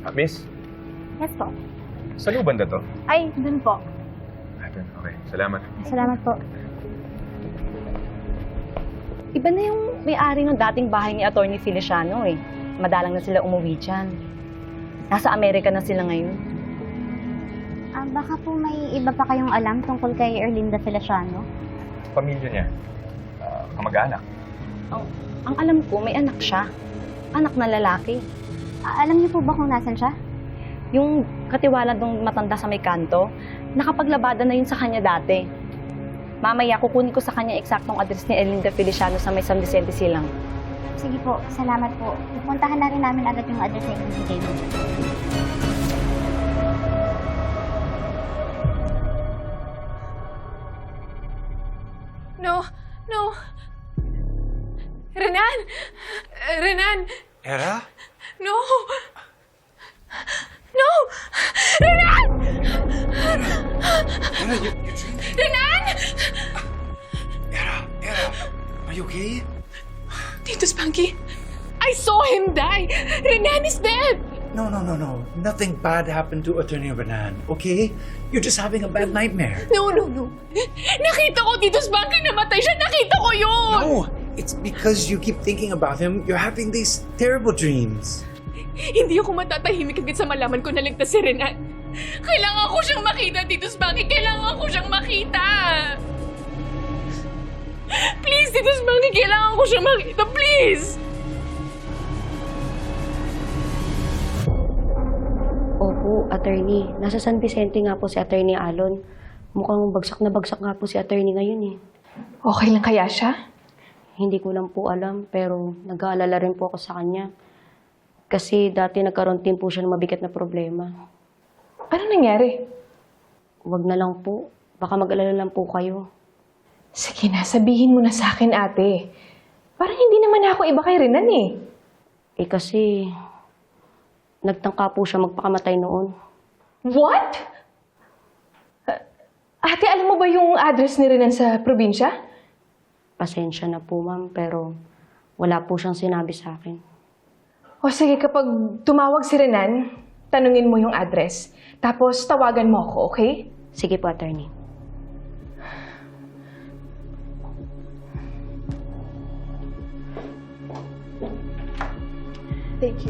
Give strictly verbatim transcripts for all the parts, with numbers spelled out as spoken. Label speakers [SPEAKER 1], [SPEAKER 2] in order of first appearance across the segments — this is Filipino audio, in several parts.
[SPEAKER 1] Ah, miss,
[SPEAKER 2] Yes po.
[SPEAKER 1] sa lubanda to?
[SPEAKER 2] Ay, dun po.
[SPEAKER 1] Ah, dun. Okay, salamat.
[SPEAKER 2] Salamat po.
[SPEAKER 3] Iba na yung may-ari ng dating bahay ni Atty. Feliciano eh. Madalang na sila umuwi dyan. Nasa Amerika na sila ngayon.
[SPEAKER 2] Ah, baka po may iba pa kayong alam tungkol kay Erlinda Feliciano?
[SPEAKER 1] Pamilya niya. Uh, kamag-anak.
[SPEAKER 3] Oh, ang alam ko, may anak siya. Anak na lalaki.
[SPEAKER 2] Ah, alam niyo po ba kung nasan siya?
[SPEAKER 3] Yung katiwala ng matanda sa may kanto, nakapaglabada na yun sa kanya dati. Mamaya, kukunin ko sa kanya eksaktong address ni Erlinda Feliciano sa may San Vicente Silang.
[SPEAKER 2] Sige po, salamat po. Pupuntahan na rin namin agad yung address na ibibigay mo.
[SPEAKER 4] No, no. Renan! Renan!
[SPEAKER 5] Era?
[SPEAKER 4] No! No! Renan!
[SPEAKER 5] Era, you, you dreaming?
[SPEAKER 4] Renan!
[SPEAKER 5] Era, Era, are you okay?
[SPEAKER 4] Tito Spanky, I saw him die! Renan is dead!
[SPEAKER 5] No, no, no, no. Nothing bad happened to Attorney Renan, okay? You're just having a bad nightmare.
[SPEAKER 4] No, no, no. Nakita ko, Tito Spanky, namatay siya. Nakita ko yun!
[SPEAKER 5] No, it's because you keep thinking about him. You're having these terrible dreams.
[SPEAKER 4] Hindi ako matatahimik hanggang sa malaman ko na ligtas si Renan. Kailangan ko siyang makita, Tito Spanky. Kailangan ko siyang makita. Please, Tito Spanky, kailangan ko siyang makita. Please!
[SPEAKER 6] Opo, attorney. Nasa San Vicente nga po si Attorney Alon. Mukhang bagsak na bagsak nga po si attorney ngayon eh.
[SPEAKER 4] Okay lang kaya siya?
[SPEAKER 6] Hindi ko lang po alam, pero nag-aalala rin po ako sa kanya. Kasi dati nagkaroon din po siya ng mabigat na problema.
[SPEAKER 4] Ano nangyari?
[SPEAKER 6] Huwag na lang po. Baka mag-alala lang po kayo.
[SPEAKER 4] Sige na, sabihin mo na sa akin, ate. Parang hindi naman ako iba kay Renan eh.
[SPEAKER 6] Eh kasi, nagtangka po siya magpakamatay noon.
[SPEAKER 4] What? Uh, ate, alam mo ba yung address ni Renan sa probinsya?
[SPEAKER 6] Pasensya na po, ma'am, pero wala po siyang sinabi sa akin.
[SPEAKER 4] O sige, kapag tumawag si Renan, tanungin mo yung address. Tapos tawagan mo ako, okay?
[SPEAKER 6] Sige po, attorney.
[SPEAKER 4] Thank you.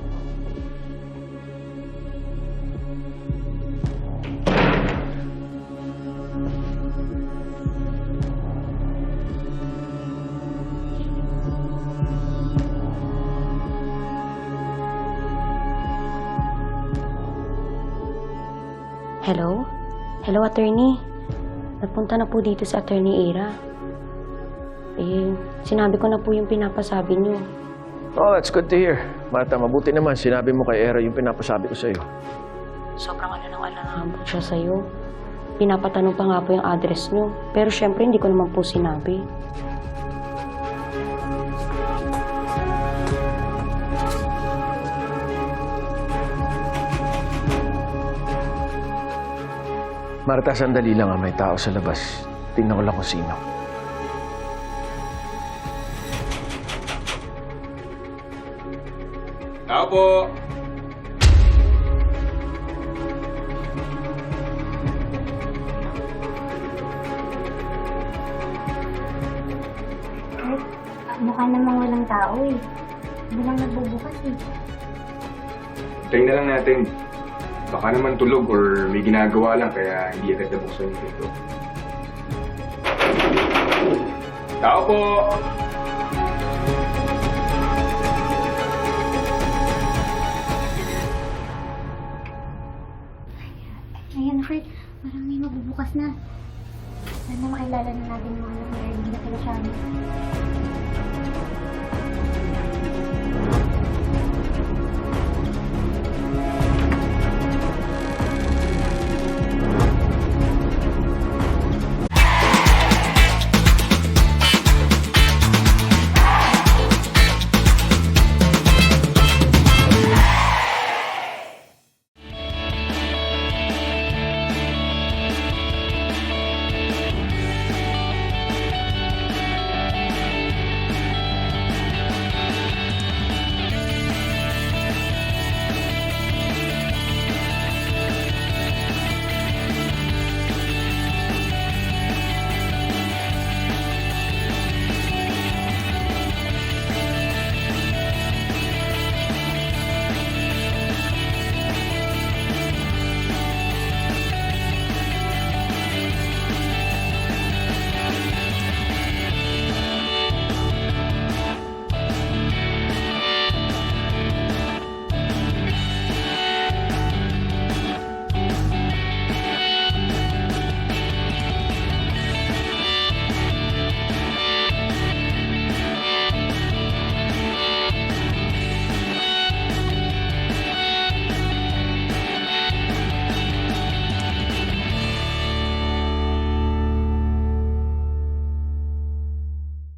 [SPEAKER 6] Hello? Hello, attorney. Napunta na po dito sa Attorney Era. Eh, sinabi ko na po yung pinapasabi niyo.
[SPEAKER 7] Oh, that's good to hear. Marta, mabuti naman. Sinabi mo kay Era yung pinapasabi ko sa'yo.
[SPEAKER 6] Sobrang ano nang alangan po siya sa'yo. Pinapatanong pa nga po yung address niyo. Pero syempre, hindi ko naman po sinabi.
[SPEAKER 7] Marta, sandali lang. Ah. May tao sa labas. Tingnan ko lang kung sino.
[SPEAKER 1] Tao po!
[SPEAKER 2] Ah, mukha namang walang tao eh. Hindi lang nagbubukas eh.
[SPEAKER 1] Hintayin na lang natin. Baka naman tulog or may ginagawa lang kaya hindi agad nabuksan yung pinto. Tao po!
[SPEAKER 2] Ayan, Fred. Parang may mabubukas na. Sana makilala na natin yung mga anak ni Erlinda Feliciano.